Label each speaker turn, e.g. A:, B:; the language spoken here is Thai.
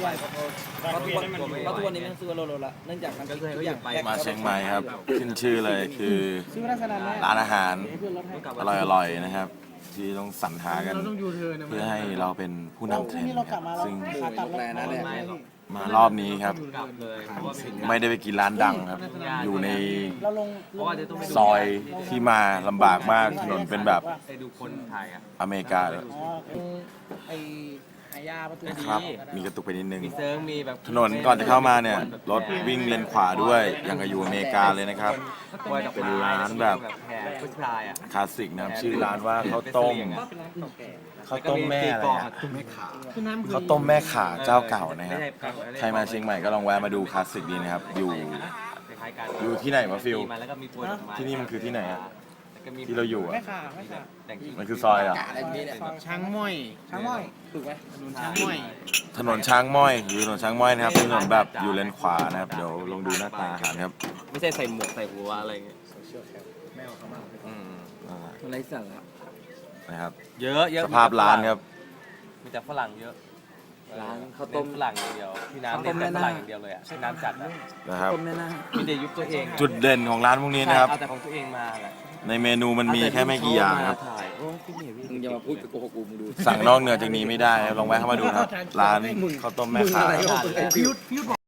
A: ใหญ่เพราะทุกวันนี้มันซื้อโลละเนื่องจากมันทุกอย่าง
B: มาเชียงใหม่ครับขึ้นชื่อเลยคือ
A: ซื้อมาสนามแม่
B: ร้านอาหารอร่อยๆนะครับ ที่ต้องสรรหากันเพื่อให้เราเป็นผู้นำเทรนด์นะครับซึ่ง
A: ขากลับแล้วนะ
B: มารอบนี้ครับ ไม่ได้ไปกินร้านดังครับ อยู่ใน
A: เราลง
B: ซอยที่มาลำบากมากถนนเป็นแบบ
C: ไปดูคนถ่ายอ่ะ
B: อเมริกาเลย
A: อ๋อไอหายาประตู
B: นะครับ มีกระตุกไปนิดนึง
C: มีเซิร์งมีแบบ
B: ถนนก่อนจะเข้ามาเนี่ยรถวิ่งเลนขวาด้วยอย่างกับอยู่อเมริกาเลยนะครับ เป็นร้านแบบ
C: แห่ผู้ชายอ่ะ
B: คลาสสิกนะครับชื่อร้านว่าข้าวต้มข้าวต้มแม่อะไรอะข้าวต้มแม่ขาเจ้าเก่านะครับใครมาเชียงใหม่ก็ลองแวะมาดูคลาสสิกดีนะครับ อยู่ที่ไหนวะฟิลที่นี่มันคือที่ไหนอะที่เราอยู่อะ
A: ไม่ขาไม่ขา
B: มันคือซอยเหรอ
A: ช้างม้อยช้างม้อยถูกไหมช้างม้อย
B: ถนนช้างม้อยอยู่ถนนช้างม้อยนะครับถนนแบบอยู่เลนขวานะครับเดี๋ยวลองดูหน้าตาอาหารครับ
C: ไม่ใช่ใส่หมวกใส่หัวอะไรเงี้ย
A: อะไรสั่นละ
B: นะครับ
C: เยอะเยอะ
B: สภาพร้านครับ
C: มีแต่ฝรั่งเยอะ
A: ร้านข้าว
C: ต้
A: ต้
C: ม
A: ม
C: ฝรั่งอย่างเดียวพี่น้ำเน้นแต่ฝรั่งอย่างเดียวเลยอ่ะพี่น้ำจัดอ่ะ
B: นะครับ
A: ต้มแน่นะ
C: มีแต่ยุคตัวเอง
B: จุดเด่นของร้านพวกนี้นะครับ
C: เอาแต่ของตัวเองมาแหละ
B: ในเมนูมันมีแค่ไม่กี่อย่างครับ
C: ถ่ายโอ้พี่เหนียวพี่
A: มึงอย่ามาพูดกับโกหกกูมึงดู
B: สั่งนอกเหนือจากนี้ไม่ได้ครับลองแวะเข้ามาดูนะครับร้านข้าวต้มแม่ขา
A: พิว